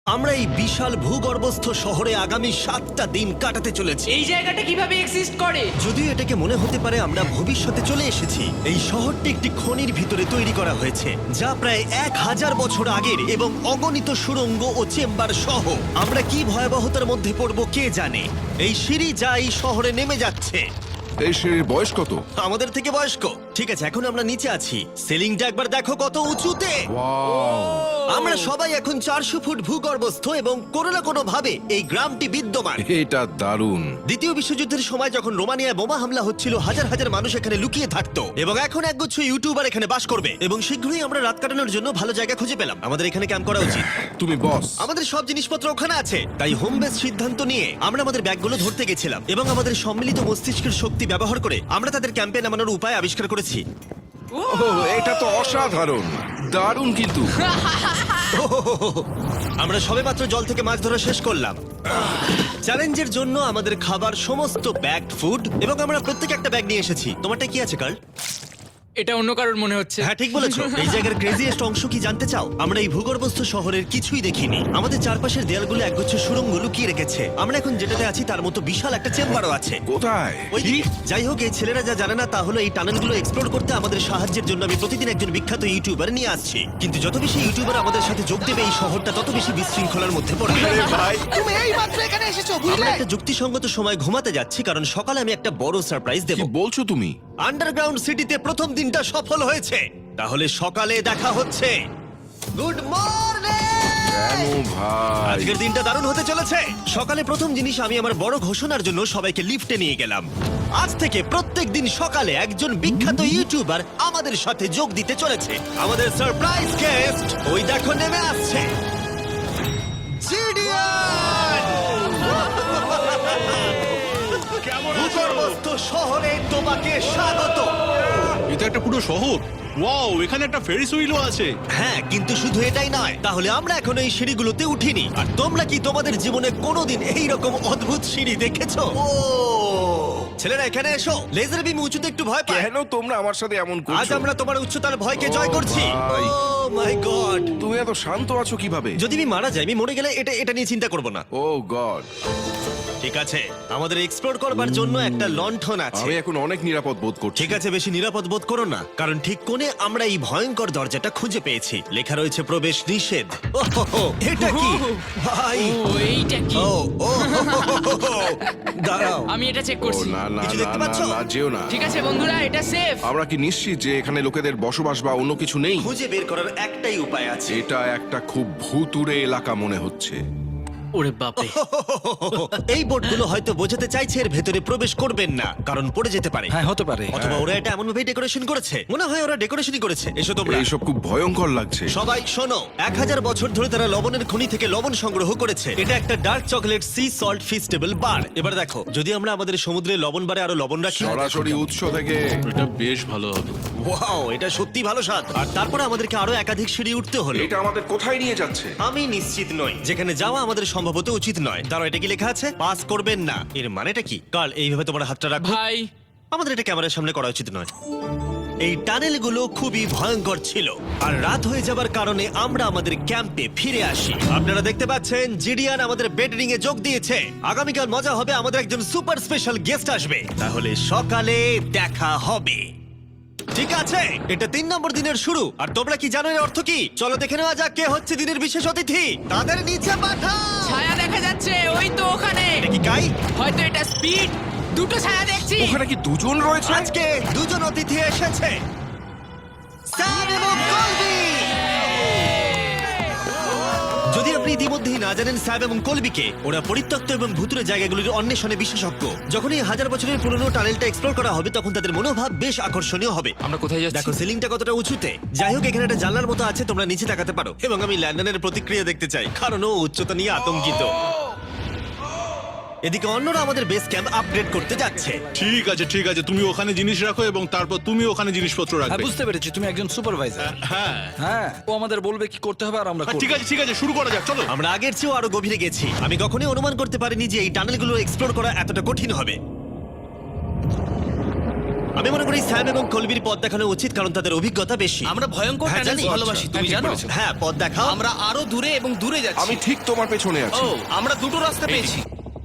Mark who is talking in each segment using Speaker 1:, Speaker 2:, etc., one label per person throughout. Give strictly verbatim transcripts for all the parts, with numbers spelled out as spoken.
Speaker 1: আমরা এই বিশাল ভূগর্ভস্থ শহরে আগামী সাতটা দিন কাটাতে চলেছি।
Speaker 2: এই জায়গাটা কিভাবে এক্সিস্ট করে?
Speaker 1: যদিও এটাকে মনে হতে পারে আমরা ভবিষ্যতে চলে এসেছি, এই শহরটি একটি খনির ভিতরে তৈরি করা হয়েছে যা প্রায় এক হাজার বছর আগের এবং অগণিত সুড়ঙ্গ ও চেম্বার সহ। আমরা কি ভয়াবহতার মধ্যে পড়বো কে জানে। এই সিঁড়ি যা এই শহরে নেমে যাচ্ছে
Speaker 3: এই সিঁড়ির বয়স কত?
Speaker 1: আমাদের থেকে বয়স্ক। ঠিক আছে, এখন আমরা নিচে আছি। সিলিংটা একবার দেখো কত উঁচুতে।
Speaker 3: ওয়াও!
Speaker 1: আমরা সবাই এখন চারশো ফুট ভূগর্ভস্থ এবং কোনো না কোনো ভাবে এই গ্রামটি বিদ্যমান।
Speaker 3: এটা দারুণ।
Speaker 1: দ্বিতীয় বিশ্বযুদ্ধের সময় যখন রোমানিয়ায় বোমা হামলা হচ্ছিল, হাজার হাজার মানুষ এখানে লুকিয়ে থাকতো এবং এখন একগুচ্ছ ইউটিউবার এখানে বাস করবে। এবং শীঘ্রই আমরা রাত কাটানোর জন্য ভালো জায়গা খুঁজে পেলাম। আমাদের এখানে ক্যাম্প করা উচিত।
Speaker 3: তুমি বস।
Speaker 1: আমাদের সব জিনিসপত্র ওখানে আছে, তাই হোম বেস সিদ্ধান্ত নিয়ে আমরা আমাদের ব্যাগগুলো ধরতে গেছিলাম এবং আমাদের সম্মিলিত মস্তিষ্কের শক্তি ব্যবহার করে আমরা তাদের ক্যাম্পে নামানোর উপায় আবিষ্কার করেছি।
Speaker 3: ওহ, এটা তো অসাধারণ, দারুণ। কিন্তু
Speaker 1: আমরা সবেমাত্র জল থেকে মাছ ধরা শেষ করলাম। চ্যালেঞ্জের জন্য আমাদের খাবার সমস্ত ব্যাগড ফুড এবং আমরা প্রত্যেক একটা ব্যাগ নিয়ে এসেছি। তোমারটা কি আছে কার্ল?
Speaker 2: এটা অন্য কারোর মনে হচ্ছে।
Speaker 1: হ্যাঁ, ঠিক বলেছো। এই জায়গার ক্রেজিয়েস্ট অংশ কি জানতে চাও? আমরা এই ভূগর্ভস্থ শহরের কিছুই দেখিনি। আমাদের চারপাশের দেয়ালগুলো একগুচ্ছ সুড়ঙ্গ লুকিয়ে রেখেছে। আমরা এখন যেটাতে আছি তার মতো বিশাল একটা চেম্বারও আছে।
Speaker 3: কোথায়?
Speaker 1: ওই দিকে। যাই হোক, এই ছেলেরা যা জানে না তা হলো এই টানেলগুলো এক্সপ্লোর করতে আমাদের সাহায্যের জন্য আমি প্রতিদিন একজন বিখ্যাত ইউটিউবার নিয়ে আসছি। কিন্তু যত বেশি ইউটিউবার আমাদের সাথে যোগ দেবে, এই শহরটা তত বেশি বিশৃঙ্খলার মধ্যে পড়বে।
Speaker 3: ভাই,
Speaker 4: তুমি এই মাত্র এখানে এসেছো,
Speaker 1: আমরা
Speaker 4: বুঝলে?
Speaker 1: একটা যুক্তিসঙ্গত সময় ঘুমাতে যাচ্ছি কারণ সকালে আমি একটা বড় সারপ্রাইজ দেব।
Speaker 3: কি বলছো তুমি?
Speaker 1: আন্ডারগ্রাউন্ড সিটিতে প্রথম দিনটা সফল হয়েছে। তাহলে সকালে দেখা হচ্ছে। Good morning!
Speaker 3: কেন ভাই?
Speaker 1: আজকের দিনটা দারুণ হতে চলেছে। সকালে প্রথম জিনিস, আমি আমার বড় ঘোষণার জন্য সবাইকে লিফটে নিয়ে গেলাম। আজ থেকে প্রত্যেক দিন সকালে একজন বিখ্যাত ইউটিউবার আমাদের সাথে যোগ দিতে চলেছে। আমাদের সারপ্রাইজ গেস্ট ওই দেখো নেমে আসছে। জিডিয়ান! ভূগর্ভস্থ শহরে তোমাকে স্বাগত।
Speaker 5: এটা একটা পুরো শহর। ওয়াও, এখানে একটা ফেরিস হুইলও আছে।
Speaker 1: হ্যাঁ, কিন্তু শুধু এটাই নয়। তাহলে আমরা এখন এই সিঁড়িগুলোতে উঠিনি। আর তোমরা কি তোমাদের জীবনে কোনোদিন এইরকম অদ্ভুত সিঁড়ি দেখেছো? ও ছেলেরা, এখানে এসো। লেজার বিম উঁচুতে একটু ভয় পায়।
Speaker 3: কেন তোমরা আমার সাথে এমন
Speaker 1: আজ
Speaker 3: করছো?
Speaker 1: আমরা তোমার উচ্চতার ভয়কে
Speaker 3: ও
Speaker 1: জয় করছি।
Speaker 3: ভাই।
Speaker 1: Oh my god!
Speaker 3: তুমি এত শান্ত আছো কিভাবে?
Speaker 1: যদি আমি মারা যাই, আমি মরে গেলে এটা এটা নিয়ে চিন্তা করব না।
Speaker 3: Oh god!
Speaker 1: ঠিক আছে, আমাদের এক্সপ্লোর করবার জন্য একটা লণ্ঠন আছে।
Speaker 3: আমি এখন অনেক নিরাপদ বোধ করছি।
Speaker 1: ঠিক আছে, বেশি নিরাপদ বোধ করো না, কারণ ঠিক কোণে আমরা এই ভয়ঙ্কর দরজাটা খুঁজে পেয়েছি। লেখা রয়েছে প্রবেশ নিষেধ। ওহো, এটা কি ভাই?
Speaker 2: ও এইটা কি?
Speaker 1: ও ও হো, হো, হো, হো। দাঁড়াও,
Speaker 2: আমি এটা চেক
Speaker 3: ও
Speaker 2: করছি।
Speaker 3: না না
Speaker 1: কিছু
Speaker 3: না
Speaker 1: দেখতে
Speaker 3: না
Speaker 1: পাচ্ছো?
Speaker 3: না, যেও না।
Speaker 2: ঠিক আছে বন্ধুরা, এটা সেফ।
Speaker 3: আমরা কি নিশ্চিত যে এখানে লোকেদের বসবাস বা অন্য কিছু নেই?
Speaker 1: খুঁজে বের করার একটাই উপায় আছে।
Speaker 3: এটা একটা খুব ভুতুড়ে এলাকা মনে হচ্ছে।
Speaker 2: ওরে বাপরে।
Speaker 1: এই বোর্ডগুলো হয়তো বোঝাতে চাইছে এর ভেতরে প্রবেশ করবেন না, কারণ পড়ে যেতে পারে।
Speaker 4: হ্যাঁ, হতে পারে।
Speaker 1: অথবা ওরা এটা এমন ভাবে ডেকোরেশন করেছে, মনে হয় ওরা ডেকোরেশনই করেছে। এসো তোমরা।
Speaker 3: এইসব খুব ভয়ঙ্কর লাগছে।
Speaker 1: সবাই শোনো, এক হাজার বছর ধরে তারা লবণের খনি থেকে লবণ সংগ্রহ করেছে। এটা একটা dark chocolate sea salt Feastables bar. এবার দেখো, যদি আমরা আমাদের সমুদ্রে লবণ বারে আরো লবণ রাখি।
Speaker 3: সরাসরি উৎস থেকে।
Speaker 5: এটা বেশ ভালো হবে।
Speaker 1: ওয়াও, এটা সত্যি ভালো স্বাদ। আর তারপরে আমাদেরকে আরো একাধিক সিঁড়ি উঠতে হলো।
Speaker 3: এটা আমাদের কোথায় নিয়ে যাচ্ছে?
Speaker 1: আমি নিশ্চিত নই। যেখানে যাওয়া আমাদের সম্ভবত উচিত নয়। তারা এটা কি লেখা আছে? পাস করবেন না। এর মানেটা কি? কাল এইভাবে তোমার হাতটা রাখো।
Speaker 2: ভাই,
Speaker 1: আমাদের এটা ক্যামেরার সামনে করা উচিত নয়। এই টানেলগুলো খুবই ভয়ঙ্কর ছিল, আর রাত হয়ে যাবার কারণে আমরা আমাদের ক্যাম্পে ফিরে আসি। আপনারা দেখতে পাচ্ছেন জিডিয়ান আমাদের বেডরিং এ যোগ দিয়েছে। আগামীকাল মজা হবে, আমাদের একজন সুপার স্পেশাল গেস্ট আসবে। তাহলে সকালে দেখা হবে। ঠিক আছে, এটা তিন নম্বর দিনের শুরু। আর তোমরা কি জানো এর অর্থ কি? চলো দেখে নেওয়া যাক কে হচ্ছে দিনের বিশেষ অতিথি। তাদের নিচে পাঠাও।
Speaker 2: ছায়া দেখা যাচ্ছে ওই তো ওখানে।
Speaker 1: এটা কি কাই?
Speaker 2: হয়তো এটা স্পিড। দুটো ছায়া দেখছি।
Speaker 3: ওখানে কি দুজন রয়েছে?
Speaker 1: আজকে দুজন অতিথি এসেছে, স্যাম এবং কলবি। যদি আপনি ইতিমধ্যেই না জানেন স্যাম এবং কলবিকে, ওরা পরিত্যক্ত এবং ভুতুরে জায়গাগুলির অন্বেষণে বিশেষজ্ঞ। যখন এই হাজার বছরের পুরনো টানেলটা এক্সপ্লোর করা হবে, তখন তাদের মনোভাব বেশ আকর্ষণীয় হবে।
Speaker 2: আমরা কোথায় যাচ্ছি?
Speaker 1: দেখো সিলিংটা কতটা উঁচুতে। যাই হোক, এখানে একটা জানলার মতো আছে, তোমরা নিচে তাকাতে পারো। এবং আমি ল্যান্ডনের প্রতিক্রিয়া দেখতে চাই, কারণ ও উচ্চতা নিয়ে আতঙ্কিত। এদিকে অন্যরা আমাদের বেস ক্যাম্প আপগ্রেড করতে যাচ্ছে।
Speaker 5: ঠিক আছে ঠিক আছে, তুমি ওখানে জিনিস রাখো এবং তারপর তুমি ওখানে জিনিসপত্র
Speaker 4: হ্যাঁ,
Speaker 5: রাখবে।
Speaker 4: বুঝতে পেরেছি, তুমি একজন সুপারভাইজার।
Speaker 5: হ্যাঁ
Speaker 4: হ্যাঁ, ও আমাদের বলবে কি করতে হবে আর আমরা
Speaker 5: হ্যাঁ,
Speaker 4: করব।
Speaker 5: ঠিক আছে ঠিক আছে, শুরু করা যাক, চলো।
Speaker 1: আমরা আগের চেয়েও আরো গভীরে গেছি। আমি কখনোই অনুমান করতে পারিনি যে এই টানেলগুলো এক্সপ্লোর করা এতটা কঠিন হবে। আমি মনে করি স্যাম এবং কলবির পথ দেখানো উচিত, কারণ তাদের অভিজ্ঞতা বেশি।
Speaker 6: আমরা ভয়ঙ্কর
Speaker 1: হ্যাঁ,
Speaker 6: টানেলস
Speaker 1: জানি।
Speaker 6: ভালোবাসি, তুমি জানো?
Speaker 1: হ্যাঁ, পথ দেখাও।
Speaker 6: আমরা আরো দূরে এবং দূরে যাচ্ছি।
Speaker 3: আমি ঠিক তোমার পেছনে আছি।
Speaker 6: ও, আমরা দুটো রাস্তা পেয়েছি।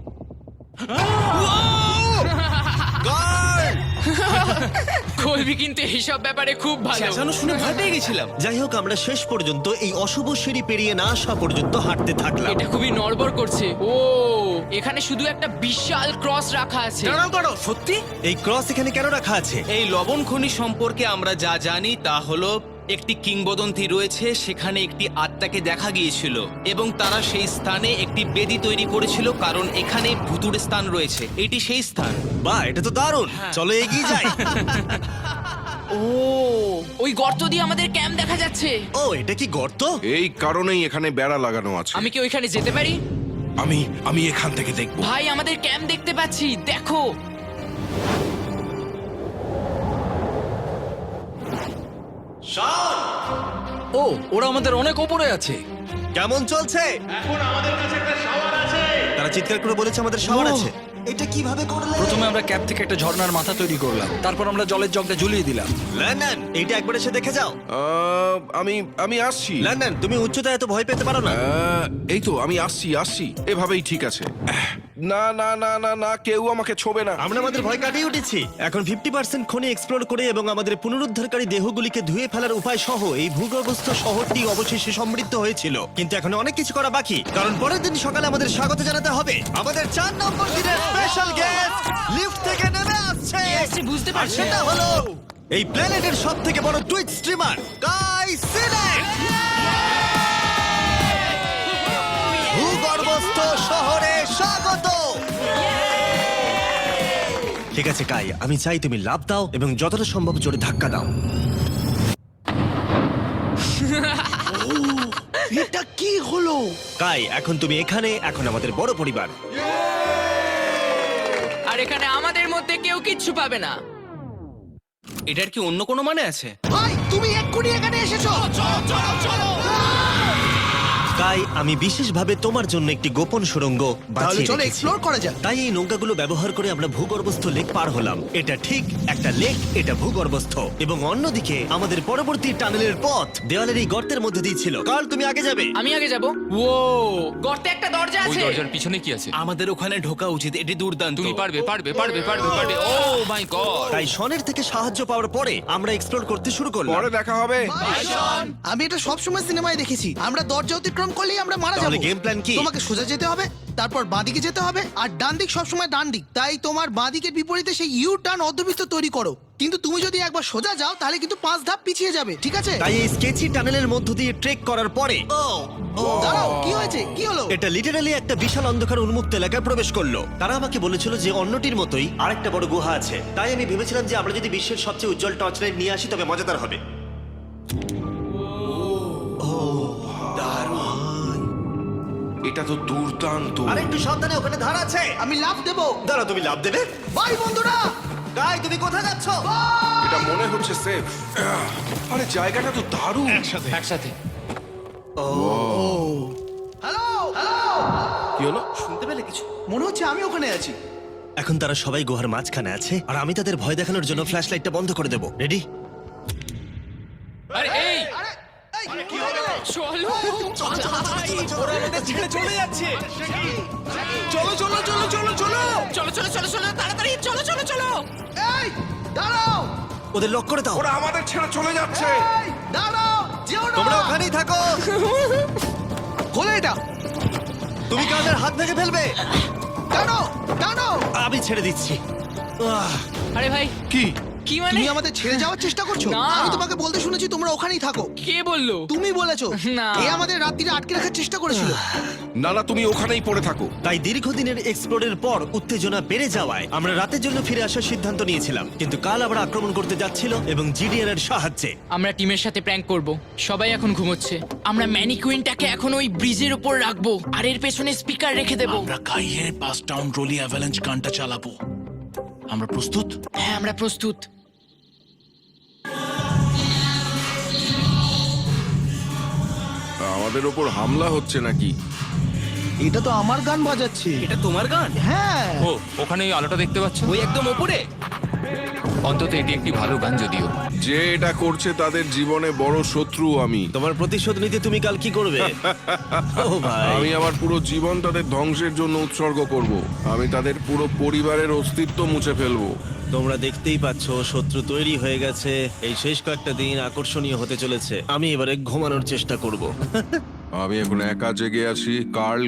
Speaker 2: কলবি কিন্তু এইসব ব্যাপারে খুব ভালো।
Speaker 6: চেঁচানো শুনে ভয় পেয়ে গেছিলাম।
Speaker 1: যাই হোক, আমরা শেষ পর্যন্ত এই অশুভ সিঁড়ি পেরিয়ে না আসা পর্যন্ত হাঁটতে থাকলাম।
Speaker 2: এটা খুবই নড়বড় করছে। ও, এখানে শুধু একটা বিশাল ক্রস রাখা আছে।
Speaker 6: দাঁড়াও দাঁড়াও, সত্যি?
Speaker 1: এই ক্রস এখানে কেন রাখা আছে?
Speaker 6: এই লবণ খনি সম্পর্কে আমরা যা জানি তা হলো একটি কিংবদন্তি রয়েছে, সেখানে একটি আত্মাকে দেখা গিয়েছিল এবং তারা সেই স্থানে একটি বেদি তৈরি করেছিল, কারণ এখানে ভুতুড়ে স্থান রয়েছে। এটি সেই স্থান।
Speaker 1: বাহ, এটা তো দারুণ। চলো এগিয়ে যাই।
Speaker 2: ও, ওই গর্ত দিয়ে আমাদের ক্যাম্প দেখা যাচ্ছে।
Speaker 1: ও, এটা কি গর্ত?
Speaker 3: এই কারণেই এখানে বেড়া লাগানো আছে।
Speaker 2: আমি কি ওইখানে যেতে পারি?
Speaker 3: আমি আমি এখান থেকে দেখব।
Speaker 2: ভাই, আমাদের ক্যাম্প দেখতে পাচ্ছি, দেখো।
Speaker 4: ও, ওরা আমাদের অনেক ওপরে আছে।
Speaker 1: কেমন চলছে? তারা চিৎকার করে বলেছে আমাদের শাওয়ার
Speaker 4: ও।
Speaker 1: আছে। এটা কিভাবে করলে?
Speaker 4: প্রথমে আমরা ক্যাপ থেকে একটা ঝর্ণার মাথা তৈরি করলাম, তারপর আমরা জলের জগটা ঝুলিয়ে দিলাম।
Speaker 1: লন্ডন, এইটা একবার এসে দেখে যাও।
Speaker 3: আহ, আমি আমি আসছি।
Speaker 1: লন্ডন, তুমি উচ্চতায় এত ভয় পেতে পারো না।
Speaker 3: আহ, এই তো আমি আসছি আসছি এভাবেই ঠিক আছে। আহ, না না না না না, কেউ আমাকে ছোবে না।
Speaker 1: আমরা আমাদের ভয় কাটিয়ে উঠেছি। এখন ফিফটি পার্সেন্ট খনি এক্সপ্লোর করে এবং আমাদের পুনরুদ্ধারকারী দেহগুলিকে ধুয়ে ফেলার উপায় সহ এই ভূগর্ভস্থ শহরটি অবশেষে সমৃদ্ধ হয়েছিল। কিন্তু এখন অনেক কিছু করা বাকি, কারণ পরের দিন সকালে আমাদের স্বাগত জানাতে হবে আমাদের চার নম্বর দিনের স্পেশাল গেস্ট লিফট থেকে নেমে আসছে।
Speaker 2: আসছে, বুঝতে
Speaker 1: আর
Speaker 2: পারছি।
Speaker 1: সেটা হলো এই প্ল্যানেটের সব থেকে বড় টুইট স্ট্রিমার গাই সিলেট। ভূগর্ভস্থ শহরে স্বাগত। ঠিক আছে কাই, আমি চাই তুমি লাফ দাও এবং যতটা সম্ভব জোরে ধাক্কা দাও।
Speaker 4: এটা কি হলো?
Speaker 1: কাই, এখন তুমি এখানে, এখন আমাদের বড় পরিবার।
Speaker 2: আর এখানে আমাদের মধ্যে কেউ কিচ্ছু পাবে না।
Speaker 6: এটার কি অন্য কোনো মানে আছে?
Speaker 4: ভাই, তুমি এক্ষুনি এখানে এসেছো। চলো চলো চলো।
Speaker 1: কাই, আমি বিশেষভাবে তোমার জন্য একটি গোপন সুড়ঙ্গ বাছিয়ে
Speaker 4: চলো
Speaker 1: রেখেছি।
Speaker 4: এক্সপ্লোর করা যাক।
Speaker 1: তাই এই নৌকাগুলো ব্যবহার করে আমরা ভূগর্ভস্থ লেক পার হলাম। এটা ঠিক একটা লেক, এটা ভূগর্ভস্থ, এবং অন্যদিকে আমাদের পরবর্তী টানেলের পথ দেওয়ালের এই গর্তের মধ্যে দিয়ে ছিল। কাল, তুমি আগে যাবে।
Speaker 2: আমি আগে যাব। ও, গর্তে একটা দরজা
Speaker 7: ওই
Speaker 2: আছে।
Speaker 7: দরজার পিছনে কি আছে?
Speaker 6: আমাদের ওখানে ঢোকা উচিত, এটি দুর্দান্ত।
Speaker 7: তুমি পারবে পারবে পারবে পারবে পারবে ও মাই গড!
Speaker 1: তাই শনের থেকে সাহায্য পাওয়ার পরে আমরা এক্সপ্লোর করতে শুরু করলাম।
Speaker 3: পরে দেখা হবে।
Speaker 8: আমি এটা সবসময় সিনেমায় দেখেছি, আমরা দরজা অতিক্রম করলেই আমরা মারা
Speaker 1: তাহলে
Speaker 8: যাবো।
Speaker 1: গেম প্ল্যান কি?
Speaker 8: তোমাকে সোজা যেতে হবে, তারপর বাঁদিকে যেতে হবে, আর ডান দিক সবসময় ডান দিক। তাই তোমার বাঁদিকের বিপরীতে সেই ইউ টার্ন অর্ধবৃত্ত তৈরি করো। কিন্তু তুমি যদি একবার সোজা যাও তাহলে কিন্তু পাঁচ ধাপ পিছিয়ে যাবে, ঠিক আছে?
Speaker 1: তাই এই স্কেচি টানেলের মধ্য দিয়ে ট্রেক করার পরে
Speaker 8: দাঁড়াও, কি হয়েছে? কি হলো?
Speaker 1: এটা লিটারালি একটা বিশাল অন্ধকার উন্মুক্ত এলাকায় প্রবেশ করলো। তারা আমাকে বলেছিল যে অন্যটির মতোই আরেকটা বড় গুহা আছে। তাই আমি ভেবেছিলাম যে আমরা যদি বিশ্বের সবচেয়ে উজ্জ্বল টর্চ লাইট নিয়ে আসি তবে মজাদার হবে।
Speaker 3: এটা তো দুর্দান্ত।
Speaker 1: আর একটু সাবধানে, ওখানে ধার আছে।
Speaker 8: আমি লাফ দেবো।
Speaker 1: দাঁড়া, তুমি লাভ দেবে?
Speaker 8: বাই বন্ধুরা।
Speaker 1: গাই, তুমি কোথায় যাচ্ছ?
Speaker 3: এটা মনে হচ্ছে সেফ। আরে জায়গাটা তো দারুণ।
Speaker 7: একসাথে
Speaker 8: হ্যালো হ্যালো,
Speaker 3: কি হলো?
Speaker 6: শুনতে পেলে কিছু?
Speaker 8: মনে হচ্ছে আমি ওখানে আছি।
Speaker 1: এখন তারা সবাই গুহার মাঝখানে আছে, আর আমি তাদের ভয় দেখানোর জন্য ফ্ল্যাশ লাইটটা বন্ধ করে দেবো। রেডি?
Speaker 7: আরে এই
Speaker 8: আরে এই,
Speaker 2: চলো।
Speaker 6: ওরা আমাদের ছেড়ে চলে যাচ্ছে।
Speaker 8: চলো চলো চলো চলো চলো
Speaker 2: চলো চলো চলো চলো, তাড়াতাড়ি চলো চলো চলো।
Speaker 8: এই দাঁড়াও,
Speaker 1: ওদের লক করে দাও।
Speaker 3: ওরা আমাদের ছেড়ে চলে যাচ্ছে।
Speaker 8: এই দাঁড়াও, যেও না।
Speaker 1: তোমরা ওখানেই থাকো।
Speaker 8: খোলো এটা।
Speaker 1: তুমি কাদের হাত ভেঙে ফেলবে।
Speaker 8: টানো টানো।
Speaker 1: আমি ছেড়ে দিচ্ছি। আহ,
Speaker 2: আরে ভাই,
Speaker 3: কি?
Speaker 2: কি মানে?
Speaker 8: তুমি আমাদের ছেড়ে যাওয়ার চেষ্টা করছো?
Speaker 2: না।
Speaker 8: আমি তোমাকে বলতে শুনেছি তোমরা ওখানেই থাকো।
Speaker 2: কে বললো?
Speaker 8: তুমি বলেছো।
Speaker 2: না।
Speaker 8: এ আমাদের রাত্রিরে আটকে রাখার চেষ্টা করেছিল।
Speaker 3: না না, তুমি ওখানেই পড়ে থাকো।
Speaker 1: তাই দীর্ঘদিনের এক্সপ্লোরের পর উত্তেজনা বেড়ে যাওয়ায় আমরা রাতের জন্য ফিরে আসার সিদ্ধান্ত নিয়েছিলাম। কিন্তু কাল আবার আক্রমণ করতে যাচ্ছিল এবং জিডিআর এর সাহায্যে।
Speaker 2: আমরা টিমের সাথে প্র্যাঙ্ক করব। সবাই এখন ঘুমোচ্ছে। আমরা ম্যানিকুইনটাকে এখন ওই ব্রিজের উপর রাখবো আর এর পেছনে স্পিকার রেখে দেব।
Speaker 9: আমরা কাইয়ের পাস টাউন রোলি অ্যাভালাঞ্চ গানটা চালাবো। আমরা প্রস্তুত?
Speaker 2: হ্যাঁ, আমরা প্রস্তুত।
Speaker 3: আমাদের ওপর হামলা হচ্ছে নাকি?
Speaker 8: এটা তো আমার গান বাজাচ্ছে।
Speaker 6: এটা তোমার গান?
Speaker 8: হ্যাঁ।
Speaker 7: ও ওখানে ওই আলোটা দেখতে পাচ্ছ?
Speaker 6: ওই একদম ওপরে?
Speaker 7: অন্তত এটি একটি ভালো গান যদিও।
Speaker 3: যে এটা করছে তাদের জীবনে বড় শত্রু আমি
Speaker 1: তোমার প্রতিশোধ নিতে তুমি কাল কি করবে? ও ভাই,
Speaker 3: আমি আমার পুরো জীবন তাদের ধ্বংসের জন্য উৎসর্গ করব। আমি তাদের পুরো পরিবারের অস্তিত্ব মুছে ফেলবো।
Speaker 1: তোমরা দেখতেই পাচ্ছ শত্রু তৈরি হয়ে গেছে। এই শেষ কয়েকটা দিন আকর্ষণীয় হতে চলেছে। আমি এবারে ঘুমানোর চেষ্টা করব।
Speaker 3: আমি এখন একা জেগে আছি, কার্ল